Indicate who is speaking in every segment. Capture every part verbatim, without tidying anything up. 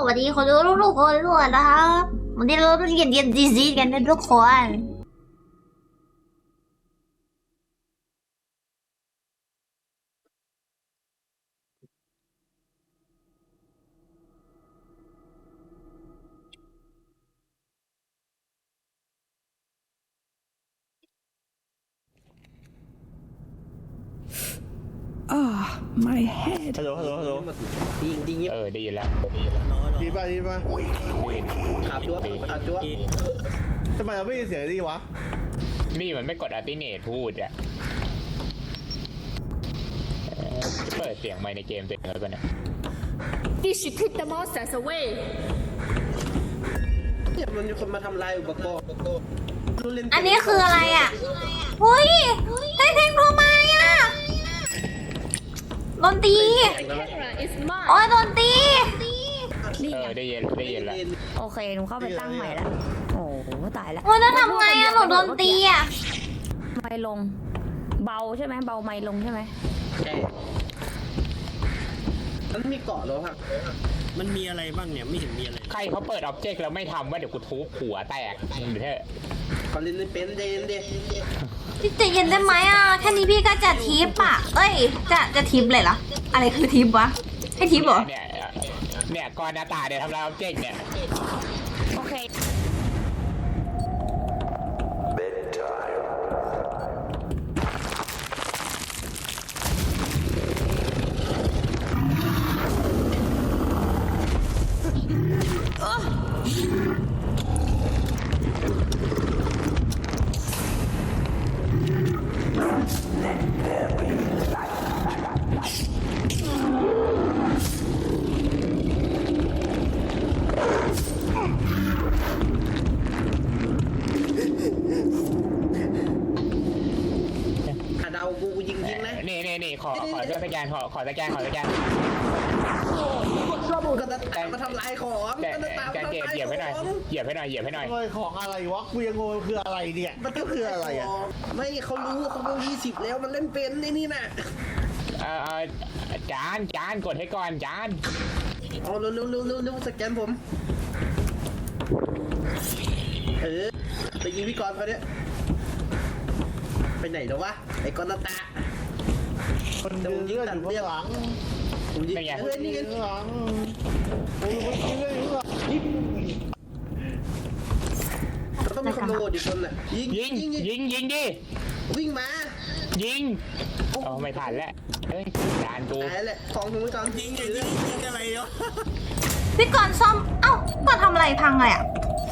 Speaker 1: วัสดีคนดูทุกๆคนด้วยนะครับวันนี้เราต้องเรียนเรียนดีซีกันนะทุกคน
Speaker 2: อ่า my head
Speaker 3: ฮัลโหลฮัลโหลฮัลโหล
Speaker 4: ดีจริง
Speaker 5: เออได้ยินแล้วได้ยินแล้ว
Speaker 3: ดีป่ะดีป่ะ
Speaker 4: ขาดจั๊วขาดจั๊ว
Speaker 3: ทำไมเราไม่ยินเสียงดีวะ
Speaker 5: นี่มันไม่กดอัลติเนตพูดอ่ะเอ่อเปิดเสียงไมค์ในเกมเต็มแล้วป่ะเนี่ย
Speaker 6: You should keep the monsters away.
Speaker 4: เนี่ยมันมีคนมาทำลายอุปกรณ์รู้เล่น
Speaker 1: อันนี้คืออะไรอ่ะหุ้ยได้เพลงโทรมาอ่ะดนตรี
Speaker 6: Camera is
Speaker 1: โอ้ย
Speaker 6: mine.
Speaker 1: ดนตรี
Speaker 5: เออได้ยินได้ยินแล้ว
Speaker 7: โอเค หนูเข้าไปตั้งใหม่แล้ว โอ้โห ตายแล้ว
Speaker 1: โอ้ยแล้วทำไงอ่ะหนูดนตรีอ่ะ
Speaker 7: ไมค์ลง เบาใช่ไหม เบาไมค์ลงใช่ไหม
Speaker 4: ใช่มันมีเกาะแล้วครับ
Speaker 8: มันมีอะไรบ้างเนี่ยไม่เห็นมีอะไร
Speaker 5: ใครเขาเปิดอ็อบเจกต์แล้วไม่ทำว่าเดี๋ยวกูทุบหัวแตกมึงเถอะ
Speaker 4: เขาเล่นไม่เป็นเดนเด
Speaker 1: พี่ใจเย็นได้ไหมอ่ะแค่นี้พี่ก็จะทิปอ่ะเอ้ยจะจะทิปเลยเหรออะไรคือทิปวะให้ทิปเหรอ
Speaker 5: เนี่ยเนี่ยก่อนหน้าตาเดี๋ยวทำลายอ็อบเจกต์เนี่ย
Speaker 7: โอเค
Speaker 4: ถ้าเดากูกูยิงยิงนะ
Speaker 5: นี่นี่นี่ขอขอเสื้อสแกนขอขอสแกนขอสแกน
Speaker 4: ก็จะตามมาทำลายของ
Speaker 5: แก
Speaker 4: ก็จะตาม
Speaker 5: แก
Speaker 4: มา
Speaker 5: เก
Speaker 4: ทำลาย
Speaker 5: เหยียบให้หน่อย
Speaker 4: ของ
Speaker 5: เหยียบให้หน่อยเหยียบให้หน่อย
Speaker 3: ทำไมของอะไรวะกูยังงงคืออะไรเนี่ยมันก็คืออะไรอ่ะ
Speaker 4: ไม่เขารู้เขาเบอร์ยี่สิบแล้วมันเล่นเป็นในนี่น่ะ
Speaker 5: เออเออจานจานกดให้ก่อนจาน
Speaker 4: เอาเร็วเร็วเร็วเร็วเร็วสแกนผมเออไปยิงพี่กรณ์เขาเนี่ยไปไหนแล้ววะไอ้กรณ์ตา
Speaker 3: มันยืนเลือดอยู่ข้างหลัง
Speaker 4: ผมยิง
Speaker 5: นี่ไง
Speaker 4: เฮ้ยนี่ไง
Speaker 3: ข้างหลังโอ้ยมันยืนเลือดอยู่ข้างหลัง
Speaker 4: เราต้องมีคนโดดอีกคนน่ะยิง
Speaker 5: ยิง
Speaker 4: ยิงยิง
Speaker 5: ยิงยิงดิ
Speaker 4: วิ่งมา
Speaker 5: ยิงอ๋อไม่ทันแล้วเฮ้ยจานกู
Speaker 4: ตายแหละของผมไปก่อน
Speaker 8: ยิงไงยิงยิงอะไรเนาะ
Speaker 1: พี่ก่อนซ่อมเอ้าก่อนทำอะไรพังเลยอ่ะ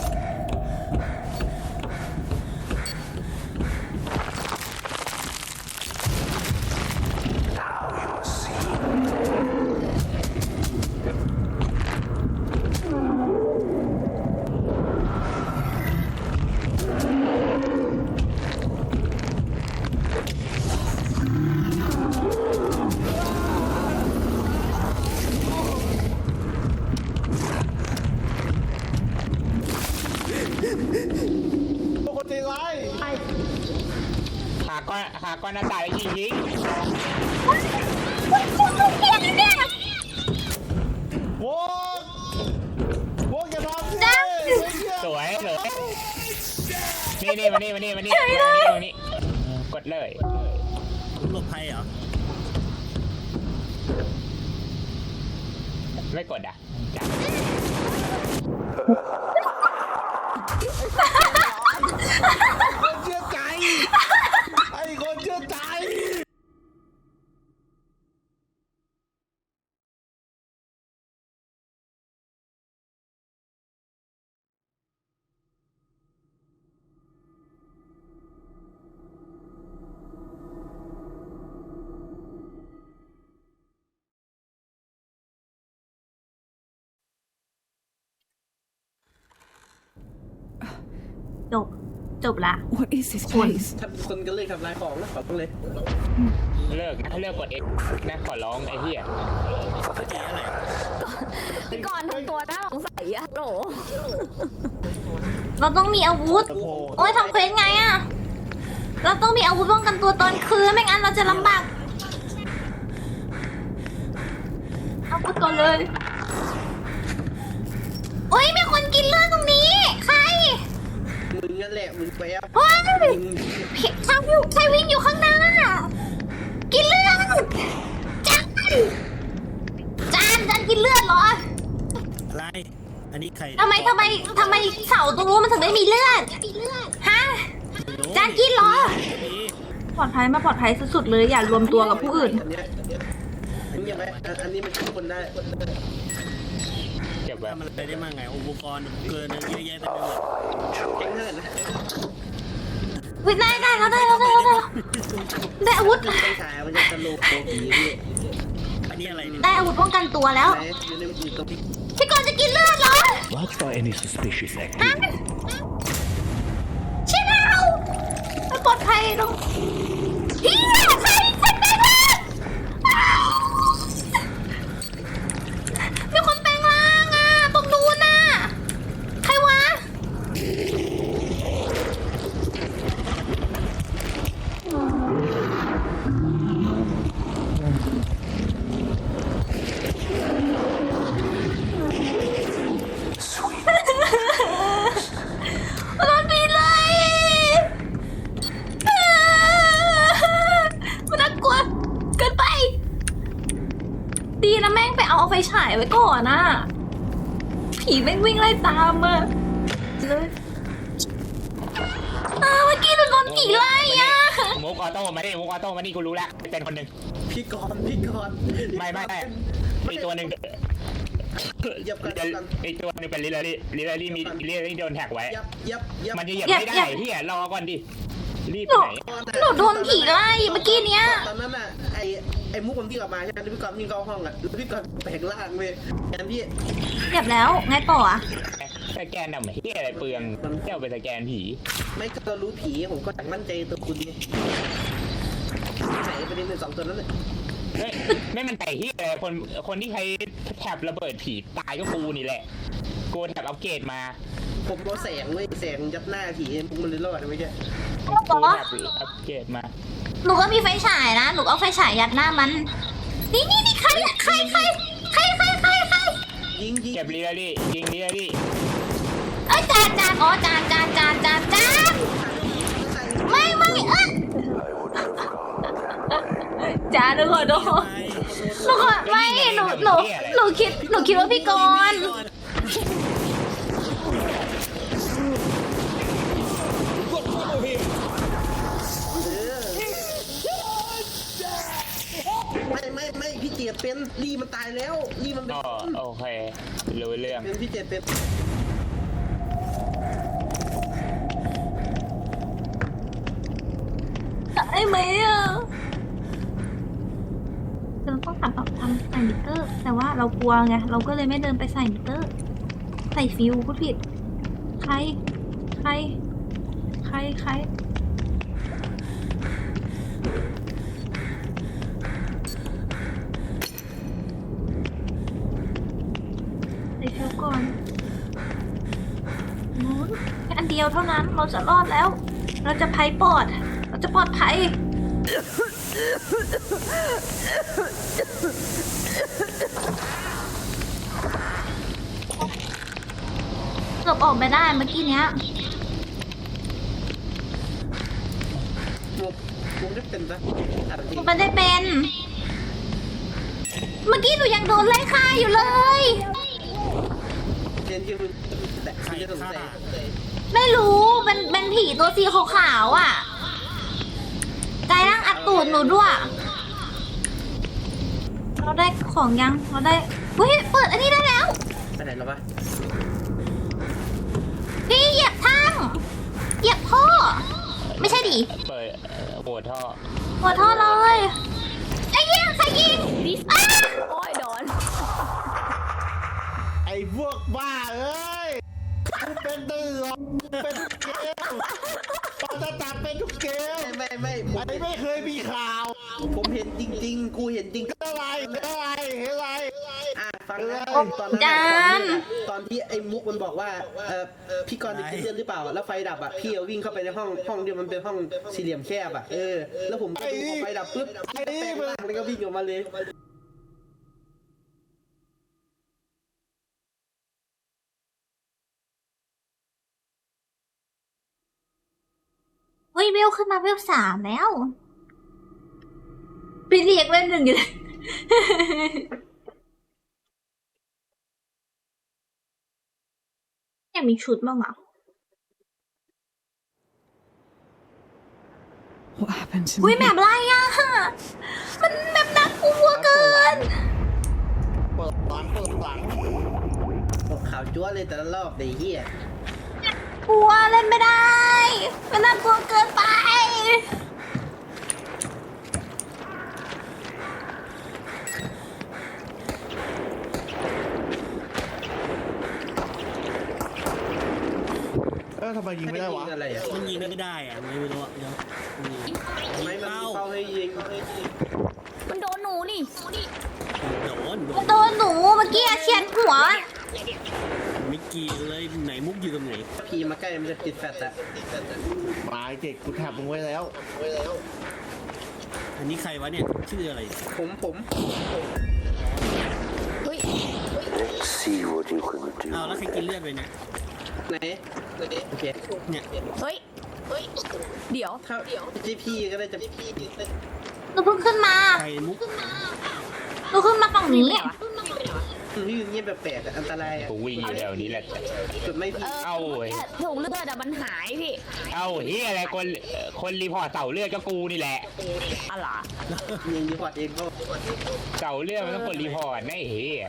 Speaker 3: พวกคนใจร้าย
Speaker 5: หาก้อนหาก้อนหน้าตาแล้วยิงยิง
Speaker 3: โว้ยโว้ยอย่าทำสิ
Speaker 5: สวยเลยนี่นี่มานี่มานี่มานี่มานี่ตรงนี้กดเลย
Speaker 8: หลบภัยเหรอ
Speaker 5: ไม่กดอ่ะจับ
Speaker 3: คนเชื่อใจไอ้คนเชื่อใจ
Speaker 1: จบจบละ
Speaker 2: What is this place
Speaker 4: ถ้าเป็นคนก็เลยทำลายของนะขอต้องเลย
Speaker 5: เลิกนะเลิกกดเอ็กนะขอร้องไอ้เหี้ย
Speaker 7: พี่ก่อนทำตัวน่าสงสัยอะโหล
Speaker 1: เราต้องมีอาวุธ โอ้ยทำเควสไงอะเราต้องมีอาวุธป้องกันตัวตอนคืนไม่งั้นเราจะลำบากอาวุธก่อนเลย
Speaker 4: นั่นแหละมึงแป๊บ
Speaker 1: เฮ้ย
Speaker 4: ยิง
Speaker 1: พี่ชายวิ่งชายวิ่งอยู่ข้างหน้า กินเลือดจานจานจานกินเลือดเหรอ
Speaker 8: อะไร อันนี้ใคร
Speaker 1: ทำไมทำไมทำไมเสาตรงนู้นมันถึงไม่มีเลือด ฮะ จานกินเหรอ ปลอดภัยมาปลอดภัยสุดๆเลยอย่ารวมตัวกับผู้อื่น
Speaker 4: อันเนี้ยอันนี้ยังไงอันนี้มันช่วยคนได้
Speaker 5: เก็บไว้
Speaker 8: ทำอะไรได้บ้างไงอุปกรณ์เกินเยอะแยะเต็มไปหมด
Speaker 4: แข็งเท่าไหร่นะ
Speaker 1: วิได้ได้แล้วได้แล้วได้แล้วได้แล้วได้อาวุธ
Speaker 4: ไฟฉายมันจะสโลว์โคผีพี่
Speaker 8: อันนี้อะไรเนี่ย
Speaker 1: ได้อาวุธป้องกันตัวแล้ว
Speaker 4: ไหนอยู่ในอยู่ตรงที่
Speaker 1: พี่กรณ์จะกินเลือดเหรอ
Speaker 9: Watch for any suspicious
Speaker 1: ฮะ
Speaker 9: activity.
Speaker 1: ใช่แล้วไม่ปลอดภัยตรงเฮียใครใครแปลงร่างมีคนแปลงร่างอ่ะตรงนู้นน่ะใครวะ โดนปีนเลยมันน่ากลัวเกินไป ดีนะแม่งไปเอาไฟฉายไว้ก่อนนะผีแม่งวิ่งไล่ตามมาเลยอ้าวเมื่อกี้โดนผีไล่อะ
Speaker 5: มุกออโต้มาดิมุกออโต้มาดิกูรู้แล้วเป็นคนหนึ่ง
Speaker 4: พี่กรณ์พี่กรณ์
Speaker 5: ไม่ไม่ไม่อีกตัวหนึ่ง
Speaker 4: ยับกันยับกัน
Speaker 5: อีกตัวหนึ่งเป็นลิลลี่ลิลลี่มีลิลลี่โดนแท็กไว้
Speaker 4: ยับยับยับ
Speaker 5: มันจะเหยียบไม่ได้พี่รอก่อนดิรีบ
Speaker 1: หนู
Speaker 5: ไหน
Speaker 1: หนูโดนผีไล่เมื่อกี้เนี้ย
Speaker 4: ตอนนั้นน่ะไอไอมุกผมที่กลับมาใช่ไหมพี่กรณ์วิ่งเข้าห้องอ่ะแล้วพี่กรณ์แปลงร่างเว้ยแอนพี่
Speaker 1: เรียบแล้วไงต่ออะ
Speaker 5: สแกนดำเฮียอะไรเปลืองมันเที่ยวไปสแกนผี
Speaker 4: ไม่ก็เรารู้ผีผมก็มั่นใจตัวคุณไงไหนประเด็นหนึ่งสองตัวนั้นเลย
Speaker 5: ไม่ไม่มันใจเฮียอะไรคนคนที่ใช้แท็บระเบิดผีตายก็กูนี่แหละกูแท็บอัปเกรดมา
Speaker 4: ผมเอาแสงเว้ยแสงยัดหน้าผีพวกมันเลยรอดไม่ใช่
Speaker 5: กูแท็บอัปเกรดมา
Speaker 1: หนูก็มีไฟฉายนะหนูเอาไฟฉายยัดหน้ามัน นี่นี่นี่ใครอะใครใครใครใครใครใคร
Speaker 4: ยิงยิง
Speaker 5: เก็บลิลลี่ยิงลิลลี่
Speaker 1: เอ้ยจานจานอ๋อจานจานจานจานจานไม่ไม่เอ้ยจานหนูขอโทษหนูขอไม่หนูหนูหนูคิดหนูคิดว่าพี่กรณ์
Speaker 4: ไม่ไม่ไม่พี่เจียดเป็นรีมันตายแล้วรีมันเป็น
Speaker 5: อ๋อโอเครู้เรื่อง
Speaker 4: เป็นพี่เจียดเป็น
Speaker 1: ได้ไหมอ่ะเราต้องทำแบบทำใส่มิเตอร์ แต่ว่าเรากลัวไงเราก็เลยไม่เดินไปใส่มิเตอร์ ใส่ฟิวพูดผิด ใคร ใคร ใครใครใส่ฟิวก่อนนู้นแค่อันเดียวเท่านั้นเราจะรอดแล้ว เราจะภัยปลอด เราจะปลอดภัย เกือบออกไปได้เมื่อกี้เนี้ย
Speaker 4: มุกมุกได้เป็นปะอ่ะจริง
Speaker 1: มันได้เป็น เมื่อกี้หนูยังโดนไล่ฆ่าอยู่เลย
Speaker 4: เรียนที่คุณแต่คุณจะสงสัย
Speaker 1: ไม่รู้เป็นเป็นผีตัวสีขาวๆอ่ะกายร่างอัดตูดหนูด้วย เราได้ของยัง เราได้เฮ้ยเปิดอันนี้ได้แล้ว
Speaker 4: ไปไหนแล้ววะ
Speaker 1: พี่เหยียบทั้งเหยียบท่อ ไม่ใช่ดิ
Speaker 5: เปิดโหวตท่อ
Speaker 1: หัวท่อเลยไอ้ยิงใครยิงอ้า
Speaker 7: โอ้ยโดน
Speaker 3: ไอ้พวกบ้าเอ้ยกูเป็นตือหรอกเป็นทุกเกมปาตาตาเป็นทุกเกม
Speaker 4: ไม่ไม่ไม่ผม
Speaker 3: ไอ้ไม่เคยมีข่าว
Speaker 4: ผมเห็นจริง ๆ กูเห็นจริง
Speaker 3: อะไรอะไรอะไร
Speaker 4: อ่ะฟังนะ
Speaker 3: โอ้
Speaker 4: ตอนนั้น
Speaker 1: จา
Speaker 4: อะ
Speaker 1: น
Speaker 4: ตอนที่ไอ้มุกมันบอกว่าเออพี่กรณ์จะกินเลือดหรือเปล่าแล้วไฟดับอ่ะพี่เอาวิ่งเข้าไปในห้องห้องที่มันเป็นห้องสี่เหลี่ยมแคบอ่ะเออแล้วผมก็ดูพอไฟดับปุ๊บแปลงร่างแล้วก็วิ่งออกมาเลย
Speaker 1: ฮ้ยเวลขึ้นมาเวลสามแล้วไปเรียกเวลหนึ่งอยู่เลย อยากมีชุดบ้างอ่ะ
Speaker 2: What happened to
Speaker 1: อุ้ย
Speaker 2: me?
Speaker 1: แบบไรอ่ะ มันแบบน่ากลัวเกิน
Speaker 3: เปิดหลังเปิดหลัง
Speaker 4: บอกข่าวจ้วเลยแต่ละรอบไอ้เหี้ย
Speaker 1: กลัวเล่นไม่ได้ มันน่ากลัวเกินไป
Speaker 3: เออทำไมยิงไม่ได้วะ
Speaker 4: อะไรอ่ะ
Speaker 8: มันยิงไม่ได้อะไม่รู้อะเดี๋ยวยิง
Speaker 4: ทำไมมันมีเป้าให้ยิง
Speaker 7: มันโดนหนูนี่
Speaker 8: โดนโด
Speaker 1: มัน
Speaker 8: น
Speaker 1: โดนหนูเมื่อกี้เฉียดหัว
Speaker 8: ไม่เกี่ยวเลยไหนมุกอยู่ตรงไหน
Speaker 4: พีมาใกล้มันจะติดแฟตอะ
Speaker 3: ตายเด็กกูแทบมึงไว้แล้ว
Speaker 8: อันนี้ใครวะเนี่ยชื่ออะไร
Speaker 4: ผมผม
Speaker 7: เฮ้ย
Speaker 9: See what you can do.
Speaker 8: อ้าวแล้วใครกินเลือดไปเนี่ย
Speaker 4: ไหนโอเค
Speaker 8: เนี่ย
Speaker 7: เฮ้ย เฮ้ย เดี๋ยว
Speaker 4: ถ้าจีพีก็ได้จะ
Speaker 1: หนูเพิ่งขึ้นมา
Speaker 8: ใครมุก
Speaker 1: หนูขึ้นมาฝั่งนี้
Speaker 4: พี่เงียบแปลกๆอะอันตรายอะ
Speaker 5: กูวิ่งอยู่แถวนี้แหละ
Speaker 4: จุดไม่พี่
Speaker 5: เอ้าเว้ย
Speaker 7: ถุงเลือดอะมันหายพี่
Speaker 5: เอ้าเฮียอะไรคนคนรีพอร์ตเสาเลือดก็กูนี่แหละ
Speaker 7: อะไร
Speaker 4: ยิงดีพอร์ตเองก็
Speaker 5: เสาเลือดมันต้องกดรีพอร์ตนะไอ้เฮีย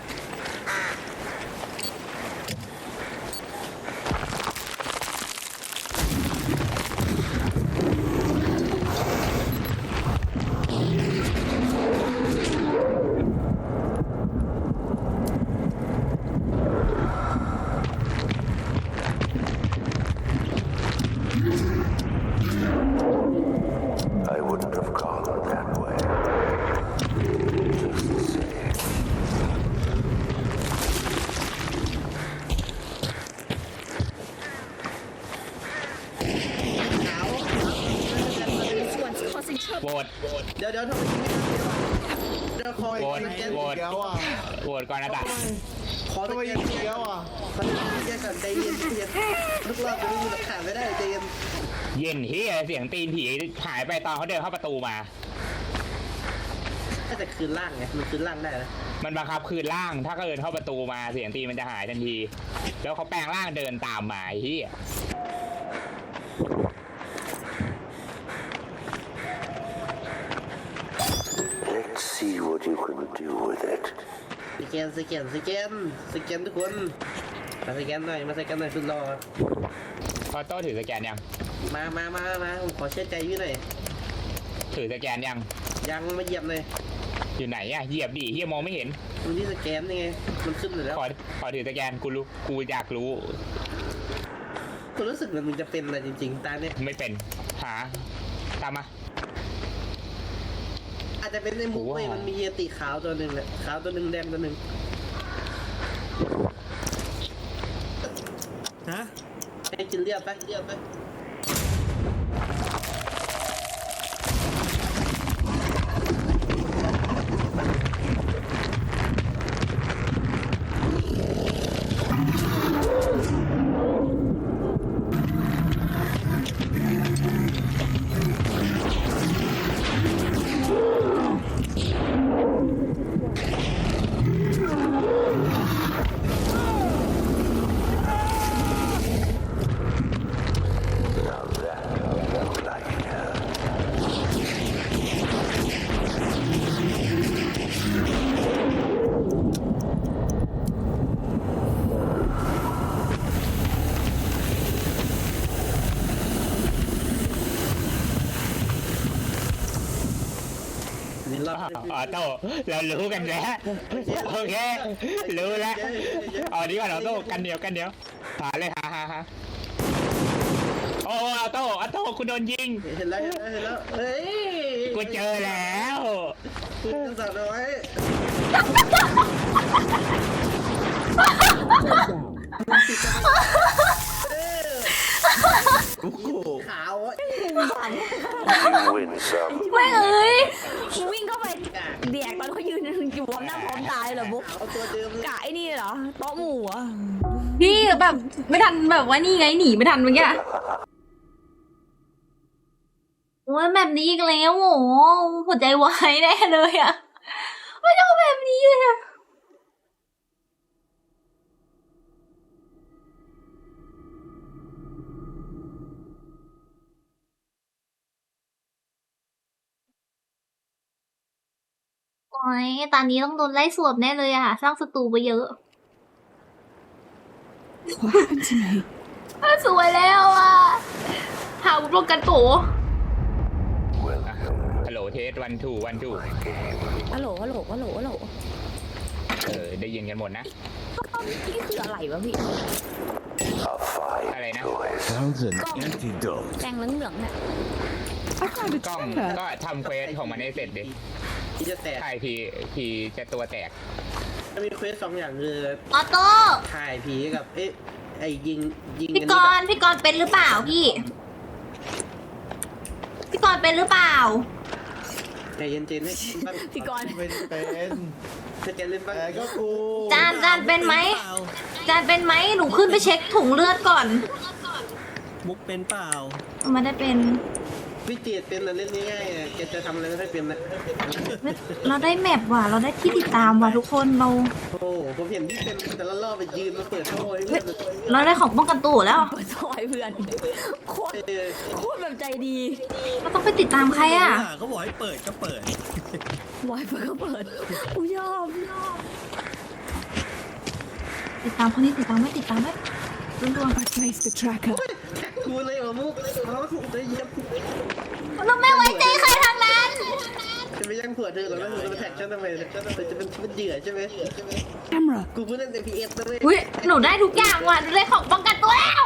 Speaker 9: I wouldn't have gone that way. Just the same.
Speaker 6: This one's causing trouble.
Speaker 5: โหวต
Speaker 4: เดี๋ยวเดี๋ยวทำไมยิงไม่ทันเดี๋ยวคอย
Speaker 5: โหวต
Speaker 4: แกน
Speaker 5: โหวต
Speaker 3: เดี๋ยวอ่ะ
Speaker 5: โหวตก่อนนะตา
Speaker 4: ขอ
Speaker 3: ทำไม
Speaker 4: แก
Speaker 3: ยิ
Speaker 4: น
Speaker 3: งเดียวอ่ะ
Speaker 4: ขอแกนก่อนใจเย็นใจเย็นทุกรอบจะไม่มีหลักฐานไม่ได้ใจเย็น
Speaker 5: เย็นเฮียเสียงตีนผีหายไปตอนเขาเดินเข้าประตูมา
Speaker 4: ถ้าจะคืนร่างไงมันคืนร่างได้นะ
Speaker 5: มันบังคับคืนร่างถ้าเขาเดินเข้าประตูมาเสียงตีนมันจะหายทันที แล้วเขาแปลงร่างเดินตามมาไอ้เฮีย
Speaker 9: Let's see what you can do with it.
Speaker 4: สแกนสแกนสแกนสแกนทุกคนมาสแกนหน่อยมาสแกนหน่อยสุดรอ
Speaker 5: พอโต้ถือสแกนยัง
Speaker 4: มามามามาผมขอเชื่อใจพี่หน่อย
Speaker 5: ถือสแกนยัง
Speaker 4: ยังมาเหยียบเลย
Speaker 5: อยู่ไหนอะเหยียบดิเฮียมองไม่เห็น
Speaker 4: มันที่สแกนนี่ไงมันขึ้นอยู่แล้ว
Speaker 5: ขอขอถือสแกนกูรู้กูอยากรู้
Speaker 4: กูรู้สึกเหมือนมึงจะเป็นอะไรจริงๆตาเนี้ย
Speaker 5: ไม่เป็นหาตามมา
Speaker 4: อาจจะเป็นในมุกเว้ยมันมีเยติขาวตัวหนึ่งแหละขาวตัวหนึ่งแดงตัวหนึ่ง
Speaker 8: ฮะ
Speaker 4: ให้กินเลือดไปเลือดไป นี่รอบ
Speaker 5: ออโต้เรารู้กันแล้วโอเครู้แล้วอ๋อดีกว่าออโต้กันเดียวกันเดียวหาเลยหาหาหาโอ้ออโต้ออโต้คุณโดนยิง
Speaker 4: เห็นแล้วเห็นแล้วเห็นแล้วเฮ้ย
Speaker 5: กูเจอแล้ว
Speaker 4: คุณสั่งเอาไว้ขาวอ่ะ
Speaker 9: You win some.
Speaker 1: ไม่เอ้ย
Speaker 7: มึงวิ่งเข้าไปเดียกตอนเขายืนอยู่พร้อมหน้าพร้อมตาเลยเหรอบุ๊ก
Speaker 4: ขาวตัวเดิมเลย
Speaker 7: กะไอ้นี่เหรอโต๊ะหมู่เหรอ
Speaker 1: พี่แบบไม่ทันแบบว่านี่ไงหนีไม่ทันเมื่อกี้โอ้ยแบบนี้อีกแล้วโหหัวใจวายแน่เลยอะไม่ชอบแบบนี้เลยอะโอ้ยตอนนี้ต้องโดนไล่สวบแน่เลยอะสร้างศัตรูไปเยอะ
Speaker 2: What happened to me?
Speaker 1: สวยแล้วอะหาป้องกันตัว
Speaker 5: ฮัลโหลเทสวันทูวันทู
Speaker 7: ฮัลโหลฮัลโหลฮัลโหลฮัลโหล
Speaker 5: เออได้ยินกันหมดนะ
Speaker 7: นี่คืออะไรวะพี่
Speaker 9: A fine
Speaker 5: อะไรนะ
Speaker 9: choice.
Speaker 8: Sounds an antidote.
Speaker 7: แดงเหลืองๆเนี่ย
Speaker 2: I found a
Speaker 5: กล้อง
Speaker 2: tracker.
Speaker 5: ก็ทำเควสของมันให้เสร็จดิ
Speaker 4: ที่จะแตก
Speaker 5: ถ่ายพีพีจะตัวแตก
Speaker 4: มีเควสสองอย่างคือ
Speaker 1: ออโต้
Speaker 4: ถ่ายผีกับเอ๊ะไอ้ยิงยิง
Speaker 1: พี่กรณ์พี่กรณ์เป็นหรือเปล่าพี่ พี่กรณ์เป็นหรือเปล่า
Speaker 4: ใจเย็นๆให้
Speaker 7: พี่กรณ์
Speaker 3: เป็นเป็น
Speaker 4: ถ้าแกเล่นบ้าง
Speaker 3: แต่ก็กู
Speaker 1: จานจานเป็นไหม จานเป็นไหมหนูขึ้นไปเช็คถุงเลือดก่อน
Speaker 8: มุกเป็นเปล่า
Speaker 1: ไม่ได้เป็น
Speaker 4: วิจิตเป็นนะเล่นง่ายๆอะแกจะทำอะไรไม่ค่อยเป็นนะ
Speaker 1: เราได้แมปว่ะ เราได้ที่ติดตามว่ะทุกคนเรา
Speaker 4: โอ้โหผมเห็นที่เป็นแต่ละรอบไปยืนมาเปิดโซ่ให้เพื่อน
Speaker 1: เราได้ของป้องกันตัวแล้ว
Speaker 7: เปิดซอยเพื่อน โคตร
Speaker 4: เออ
Speaker 7: โคตรแบบใจดี
Speaker 1: เราต้องไปติดตามใครอ่ะ
Speaker 8: เขาบอกให้เปิดก็เปิด
Speaker 7: วายเปิดก็เปิดกูยอมยอม
Speaker 1: ติดตามคนนี้ติดตามไหมติดตามไหมรวม
Speaker 2: I placed the tracker.
Speaker 4: กูเลยเหรอมุกเขาถูกเลยเย็บ
Speaker 1: ๆเราไม่ไว้ใจใครทางนั้น
Speaker 4: จะไปย่างผัวเธอหรอแล้วเธอจะมาแท็กฉันทำไมเนี่ยจะเป็นจะเป็นเหยื่อใช่ไหม
Speaker 2: Camera.
Speaker 4: กูเพิ่งเล่น เอ พี เอส นะเว้ย
Speaker 1: อุ้ยหนูได้ทุกอย่างว่ะหนูได้ของป้องกันตัวแล้ว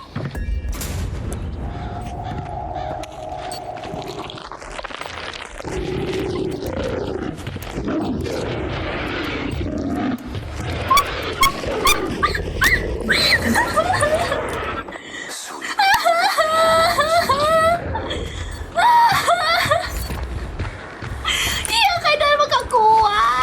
Speaker 1: เหี้ยใครเดินมากับกูวะ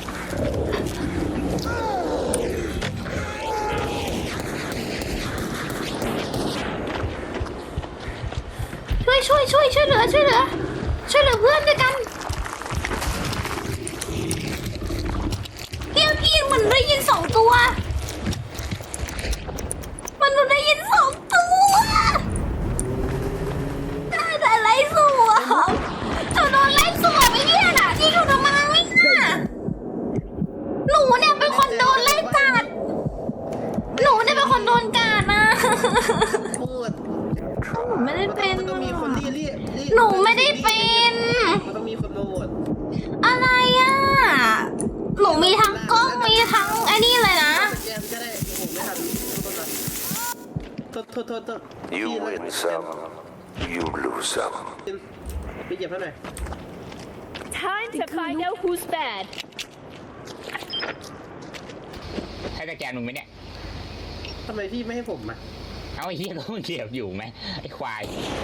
Speaker 1: ช่วยช่วยช่วยช่วยเหลือช่วยเหลือช่วยเหลือเพื่อนด้วยกันเกี้ยวกี้เหมือนได้ยินสองตัว มันได้ยินสองตัวได้แต่ไล่สวมเธอโดนไล่สวมไอ้เนี่ยน่ะที่อยู่ทำไมน่ะหนูเนี่ยเป็นคนโดนไล่กัดหนูเนี่ยเป็นคนโดนกัดนะ
Speaker 4: พูด
Speaker 1: หนูไม่ได้เป็น
Speaker 4: มันต้องมีคนที่เรียกเรียก
Speaker 1: หนูไม่ได้เป็น
Speaker 4: มันต้องมีคนมาโหวต
Speaker 1: อะไรอ่ะ หนูมีทั้งกล้องมีทั้งไอ้นี่เลยนะ
Speaker 4: แกก็ได้ผมไม่ทันโทษโทษโทษโทษ
Speaker 9: You win some, you lose some.
Speaker 4: ไปเหยียบให้หน่อย
Speaker 6: Time to find out who's bad.
Speaker 5: ให้สแกนมึงไหมเนี่ย
Speaker 4: ทำไมพี่ไม่ให้ผมอ่ะ
Speaker 5: เอาไอ้เหี้ยก็มึงเหยียบอยู่ไหมไอ้ควาย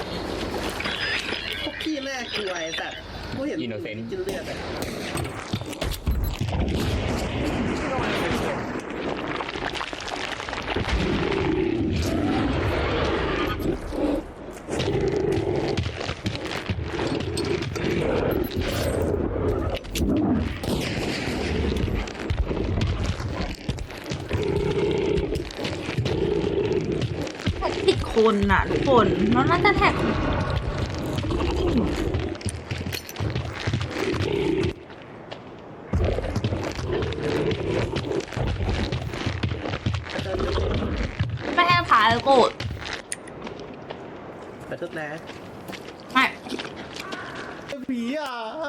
Speaker 4: พวกพี่น่ากลัวไอ้สัตว์กูเห็น
Speaker 5: Innocent
Speaker 4: กินเลือดอ่ะ
Speaker 1: ผิดคนน่ะทุกคนแล้วน่าจะแท็กไม่ให้ถ่ายโกรธ
Speaker 4: ขอโทษนะ
Speaker 1: ไม่
Speaker 3: ผีอ่ะ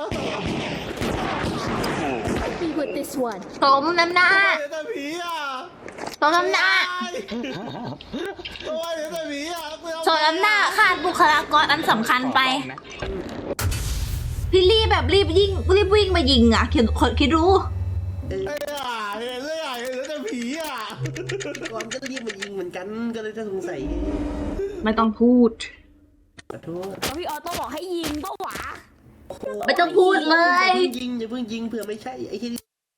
Speaker 6: Be with this one.
Speaker 1: สมน้ำหน้า
Speaker 3: เห็นแต่ผีอ่ะ
Speaker 1: สมน้ำหน้า
Speaker 3: ตัวเห็นแต่ผีอ่ะ
Speaker 1: สมน้ำหน้าขาดบุคลากรอันสำคัญไป พี่รีบแบบรีบยิงรีบวิ่งมายิงอ่ะคิดคิดรู้
Speaker 3: ไอ้อ่ะเห็นเลยอ่ะเห็นแต่ผีอ่ะ
Speaker 4: ก่อนก็รีบมายิงเหมือนกันก็เลยจะสงสัย
Speaker 1: ไม่ต้องพูด
Speaker 4: ขอโทษ
Speaker 7: แล้วพี่ออโต้บอกให้ยิงปะหวะ
Speaker 1: ไม่ต้องพูดเลย
Speaker 4: อย่าเพิ่งยิงอย่าเพิ่งยิงเผื่อไม่ใช่ไอ้ที่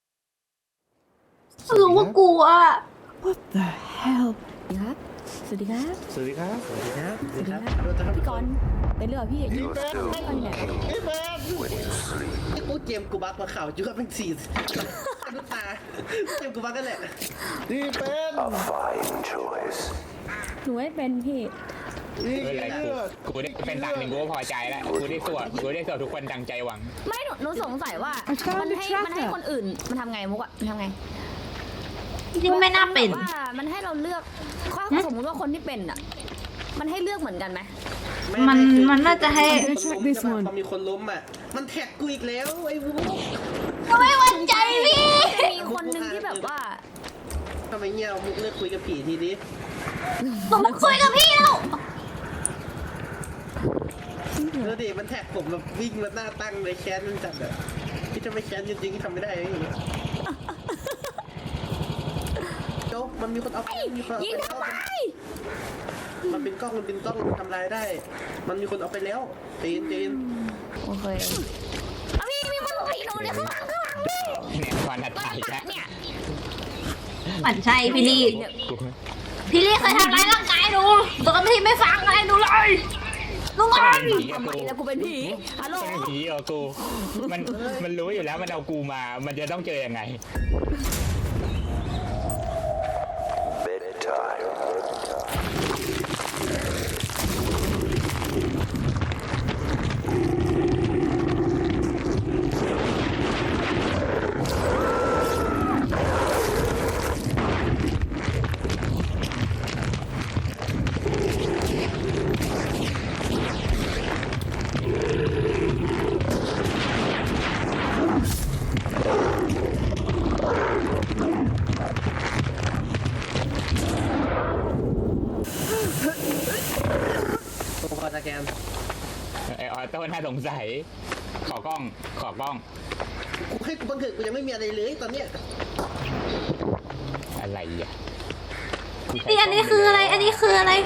Speaker 1: รู้ว่ากลัว
Speaker 2: What the hell?
Speaker 7: สวัสดีครับ สวัสดีครับ
Speaker 8: สวัสดีครับ
Speaker 4: สวัสดีครับสวัสดีครับ
Speaker 7: พี่กรณ์ไปเรื่อยพี่
Speaker 3: พี่เป็น
Speaker 7: ได้ไปไหน
Speaker 3: พี่เป็น
Speaker 4: ไอ้กูเกมกูบักมาข่าวจุ๊บเป็นสี่น้ำตาเกมกูบักกันแหละ
Speaker 3: พี่เป็น
Speaker 9: A fine choice.
Speaker 7: หนูไม่เป็นพี่
Speaker 3: พี่
Speaker 5: ไม่เป็นไร
Speaker 3: เลือด
Speaker 5: กูกูได้เป็นดังหนึ่งกูก็พอใจแล้วกูได้สวดกูได้สวดทุกคนดังใจหวัง
Speaker 7: ไม่หนูหนูสงสัยว่า
Speaker 2: I found
Speaker 7: มัน
Speaker 2: the
Speaker 7: ให้
Speaker 2: tracker
Speaker 7: มันให้คนอื่นมันทำไงมุกอะมันทำไง
Speaker 1: จริงๆไม่น่าเป็น
Speaker 7: ว่ามันให้เราเลือกถ้าสมมติว่าคนที่เป็นอะมันให้เลือกเหมือนกันไหม
Speaker 1: มันมันน่าจะให้
Speaker 2: check this one
Speaker 4: พอมีคนล้มอ่ะมันแท็กกูอีกแล้วไอ้วู
Speaker 1: ก็ไม่ไว้ใจพี่
Speaker 7: จะมีคนหนึ่งที่แบบว่า
Speaker 4: ทำไมเงี้ยมุกเลิกคุยกับผีทีนี้
Speaker 1: ผมมาคุยกับพี่แล้ว
Speaker 4: แล้วดิมันแท็กผมแบบวิ่งมาหน้าตั้งเลยแค้นมันจัดอ่ะพี่จะไม่แค้นจริงๆทำไม่ได้อย่างนี้โจ๊กมันมีคนเอามีคนเอา
Speaker 7: ยิง
Speaker 4: ไป
Speaker 7: ทำ
Speaker 4: แล้ว
Speaker 7: ไม
Speaker 4: มันเป็นกล้องมันเป็นกล้องทำลายได้ มันมีคนเอาไปแล้วจีนจีน
Speaker 7: โอเคเอาพี่มีคนผีหนูเนี่ยข้างหลังข้างหลังพี่
Speaker 5: เนี่ยวันถัดไปแล้ว
Speaker 7: เนี่ย
Speaker 1: หมั่นใช่พี่ลี่
Speaker 5: กู
Speaker 1: พี่ลี่เคยทำร้ายร่างกายหนูตอนที่ไม่ฟังอะไรหนูเลยลุง
Speaker 5: ก็
Speaker 1: อั
Speaker 5: เป็น
Speaker 1: น
Speaker 5: ผีกับ
Speaker 7: ทำไม
Speaker 5: กู
Speaker 7: แล้วกูเป็นผีฮัลโหล
Speaker 5: เป็นผีกับกูมันมันรู้อยู่แล้วมันเอากูมามันจะต้องเจอยังไง
Speaker 9: Bedtime.
Speaker 4: ผมขอสแกน
Speaker 5: ไอออโต้น่าสงสัยขอกล้องขอกล้อง
Speaker 4: กูให้กูบันทึกกูยังไม่มีอะไรเลยตอนเนี้ย
Speaker 5: อะไรอ่ะ
Speaker 1: นี่อันนี้คืออะไร อันนี้คืออะไร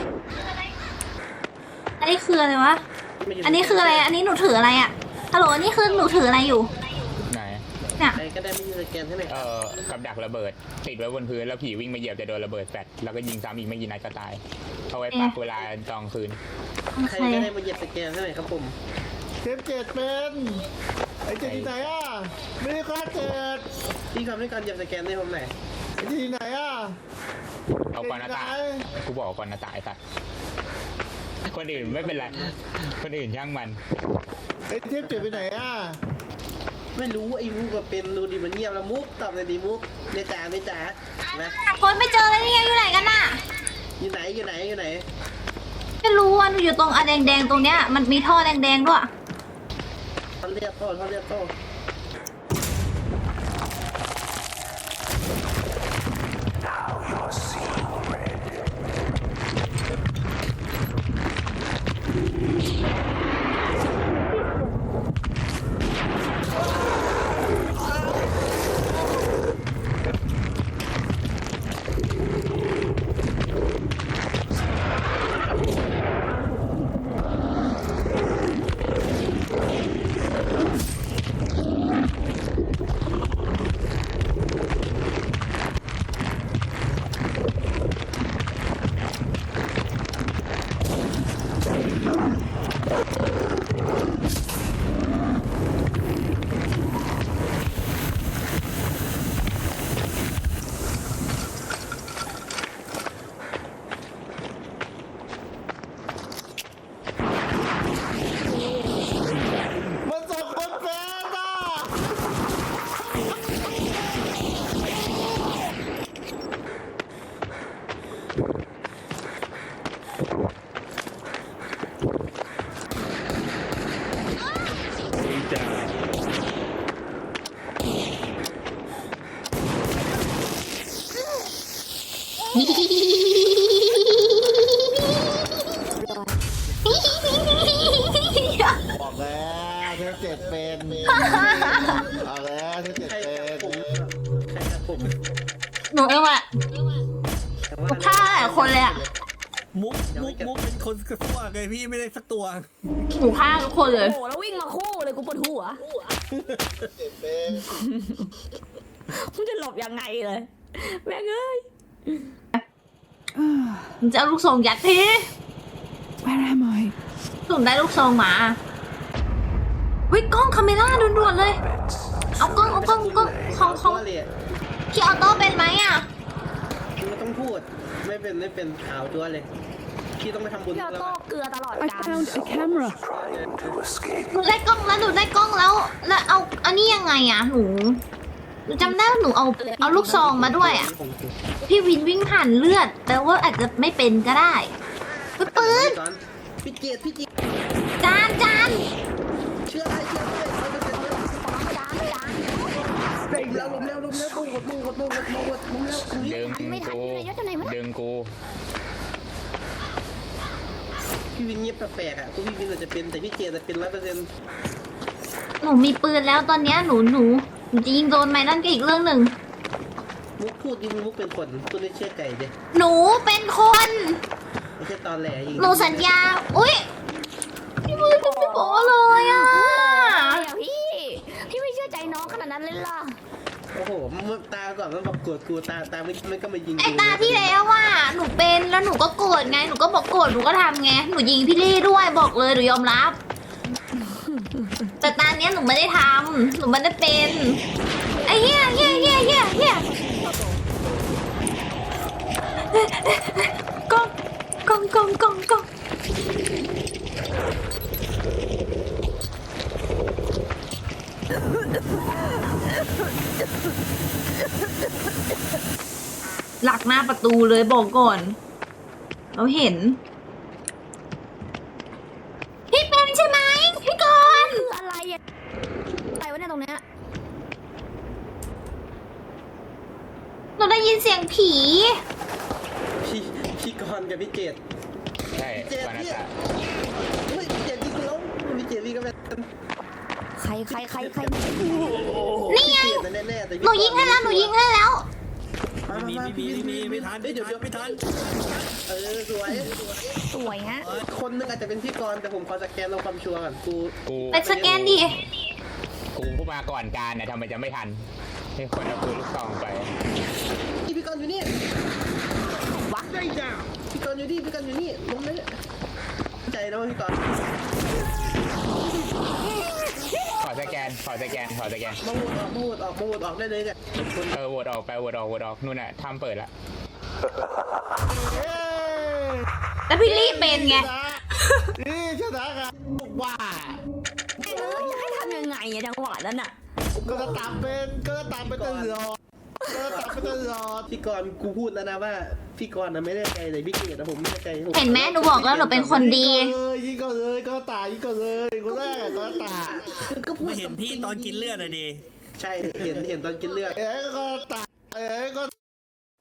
Speaker 1: อันนี้คืออะไรวะ อันนี้คืออะไร อันนี้หนูถืออะไรอะฮัลโหล อันนี้คือหนูถืออะไรอยู่
Speaker 5: ไหน
Speaker 1: เนี่ย
Speaker 4: ใครก็ได้ไม่มีสแกนใช่ไหม
Speaker 5: เอ่อกับดักระเบิดติดไว้บนพื้นแล้วผีวิ่งมาเหยียบจะโดนระเบิดแฟลชแล้วก็ยิงซ้ำอีกไม่กี่นัดก็ตายเอาไว้ปักเวลาตอนคืน
Speaker 1: โอ
Speaker 4: ใคร
Speaker 1: เค
Speaker 4: ก็ได้มาเหยียบสแกนให้หน่อยครับผม
Speaker 3: เทปเจ็ดเป็นไอ้เจ็ดที่ไหนอ่ะไม่ได้ฆ่าเจ็ด
Speaker 4: พี่ทำให้การเหยียบสแกนให้ผมหน่อย
Speaker 3: ไอ้ที่ไหนอ่ะ
Speaker 5: เอาก่อนหน้าตากูบอกก่อนหน้าตาไอ้สัตว์คนอื่นไม่เป็นไรคนอื่นช่างมัน
Speaker 3: ไอ้เทปเจ็ดไปไหนอ่ะ
Speaker 4: ไม่รู้ไอ้มุกก็เป็นดูดิมันเงียบแล้วมุกตอบเลยดิมุกเนจ๋าเนจ๋านะ
Speaker 1: คนไม่เจอเลยนี่ไงอยู่ไหนกันน่ะ
Speaker 4: อยู่ไหนอยู่ไหนอยู่ไหน
Speaker 1: ไม่รู้ว่าหนูอยู่ตรงอะแดงๆตรงเนี้ย มันมีท่อแดงๆด้วย
Speaker 4: ท่อนเรียกโต้ท่อนเรียกโต้
Speaker 9: You're seeing red.
Speaker 3: มันส่งคนเป็นอ่ะ บอกแล้วเทปเจ็ดเป็นเอาแล้วเทปเจ็ด
Speaker 4: ใคร
Speaker 3: เป็
Speaker 4: กับ
Speaker 3: น
Speaker 4: ผมใครกับผม
Speaker 1: หนูเองแหละหนูฆ่าหลายคนเลยอะ
Speaker 8: มุกมุกมุกเป็นคนกระตัวไงพี่ไม่ได้สักตัว
Speaker 1: หนูฆ่าทุกคนเลย
Speaker 7: โอ้โหแล้ววิ่งมาคู่เลยกูปวดหัว
Speaker 3: เจ็ดเป็น
Speaker 7: มึงจะหลบยังไงเลยแม่งเอ้ย
Speaker 1: มันจะเอาลูกส่งยัดพี่
Speaker 2: Where am I?
Speaker 1: สุ่มได้ลูกซองหมาเฮ้ยกล้องคาเมล่าด่วนๆเลย เอากล้องเอากล้องกล้องของของ
Speaker 4: เลยอะ
Speaker 1: พี่ออโต้เป็นไหมอ่ะ
Speaker 4: ไม่ต้องพูดไม่เป็นไม่เป็นขาวจั๊วเลยพี่ต้องไปทำบุญ
Speaker 7: พี่ออ
Speaker 4: แล้ว
Speaker 7: โต้
Speaker 4: อะ
Speaker 7: เกลือตลอด
Speaker 2: I
Speaker 7: กาล
Speaker 2: found a camera.
Speaker 9: Trying to escape.
Speaker 1: หนูได้กล้องแล้วหนูได้กล้องแล้ว แล้วเอาอันนี้ยังไงอ่ะหนูหนูจำได้ว่าหนูเอาเอาลูกซองมาด้วยอ่ะ พี่วินวิ่งผ่านเลือดแปลว่าอาจจะไม่เป็นก็ได้เฮ้ยปืน
Speaker 4: ก่อนพี่เจียดพี่เจียด
Speaker 1: จานจาน
Speaker 4: เชื่ออะไรเชื่ออะไรเอาไปเป็นเรื่อง
Speaker 7: จานจาน
Speaker 4: แล้วลมแล้วลมแล้วลมหมดลมหมดลมหมดลมหมดลมแล้วคุย
Speaker 5: ดึงกูดึงกู
Speaker 4: พี่วินเงียบแปลกๆอ่ะกูพี่วินอาจจะเป็นแต่พี่เจียดจะเป็นร้อยเปอร์เซ็นต์
Speaker 1: หนูมีปืนแล้วตอนเนี้ยหนูหนูหนูจะยิงโดนไหมนั่นก็อีกเรื่องหนึ่ง
Speaker 4: มุกพูดยิงมุกเป็นคนพูดไม่เชื่อไก่เด้
Speaker 1: หนูเป็นคน
Speaker 4: ไม่ใช่ตอนแหลยิง
Speaker 1: หนูสัญญา อุ้ยพี่มือจะไม่บอกเลยอ่ะ
Speaker 7: เดี๋ยวพี่ พี่ไม่เชื่อใจน้องขนาดนั้นเลยล่ะ
Speaker 4: โอ้โหมันตาก่อนมันบอกโกรธกูตาตาไม่ไม่ก็มายิง
Speaker 1: ไอตาที่แล้วว่าหนูเป็นแล้วหนูก็โกรธไง หนูก็บอกโกรธหนูก็ทำไง หนูยิงพี่ลี่ด้วยบอกเลยหนูยอมรับ แต่ตาเนี้ยหนูไม่ได้ทำหนูไม่ได้เป็นไอ้เหี้ยเหี้ยเหี้ยเหี้ยเหี้ยกล้องกล้องกล้องกล้องกล้องหลักหน้าประตูเลยบอกก่อน เราเห็น พี่เป็นใช่ไหมพี่กรณ์
Speaker 7: คืออะไรอะอะไรวะเนี่ยตรงเนี้ย
Speaker 1: หนูได้ยินเสียงผี
Speaker 4: พี่พี่กรณ์กับพี่เจด
Speaker 5: ใช่
Speaker 4: เจด
Speaker 5: วานา
Speaker 4: เนี่ย
Speaker 5: ตะ
Speaker 4: เฮ้ยพี่เจดยิงกูแล้วพี่เจดพี่ก็เป็น
Speaker 7: ใครใครใครใคร
Speaker 1: นี่ไง
Speaker 4: พี่เจดแน่ๆแต่พี่
Speaker 1: หนูยิงให้แล้วหนูยิงให้แล้ว
Speaker 4: มา
Speaker 8: มี
Speaker 4: มา
Speaker 8: มี
Speaker 4: พี่
Speaker 8: มี
Speaker 4: วิน
Speaker 8: มีไม่ทัน
Speaker 4: เฮ้ยเดี๋ยวเดี๋ยว
Speaker 8: ไม่ทัน
Speaker 4: เออสวย
Speaker 7: สวยฮะ
Speaker 4: คนนึงอาจจะเป็นพี่กรณ์แต่ผมขอสแกนเราความชัวร์ก่อนกู
Speaker 5: กู
Speaker 1: ไปสแกนดิ
Speaker 5: กูผู้มาก่อนการเนี่ยทำไมจะไม่ทันให้คนเอาปืนลูกซองไป
Speaker 4: พี่พี่กรณ์อยู่นี่วัดได้จ้าพี่กรณ์อยู่นี่พี่กรณ์อยู่นี่ลงเลยใจนะว่าพี่กรณ์
Speaker 5: ขอสแกนขอสแกนขอสแกน
Speaker 4: มาโหวตออกมาโหวตออกมาโหวตออกได้เลยเนี่ยคน
Speaker 5: เออโหวตออกไปโหวตออกโหวตออกนู่นน่ะทำเปิดละ
Speaker 1: แล้วพี่ลี่เป็นไง
Speaker 3: นี่ชนะกันว่า
Speaker 7: เออจะให้ทำยังไงอะจังหวะนั้นอะ
Speaker 3: ก็จะตามเป็นก็จะตามเป็นตลอดก็จะตามเป็นตลอด
Speaker 4: พี่กรณ์กูพูดแล้วนะว่าพี่กรณ์นะไม่ได้ใจแต่พี่เกดนะผมไม่ได้ใจผม
Speaker 1: เห็นไหมหนูบอกแล้วหนูเป็นคนดี
Speaker 3: เลยยิงก็เลยก็ตายยิงก็เลยคนแรกอะก็ตาย
Speaker 4: ก็พูด
Speaker 8: ไม่เห็นพี่ตอนกินเลือดอะดิ
Speaker 4: ใช่เห็นเห็นตอนกินเลือด
Speaker 3: เอ๋ก็ตายเอ๋ก็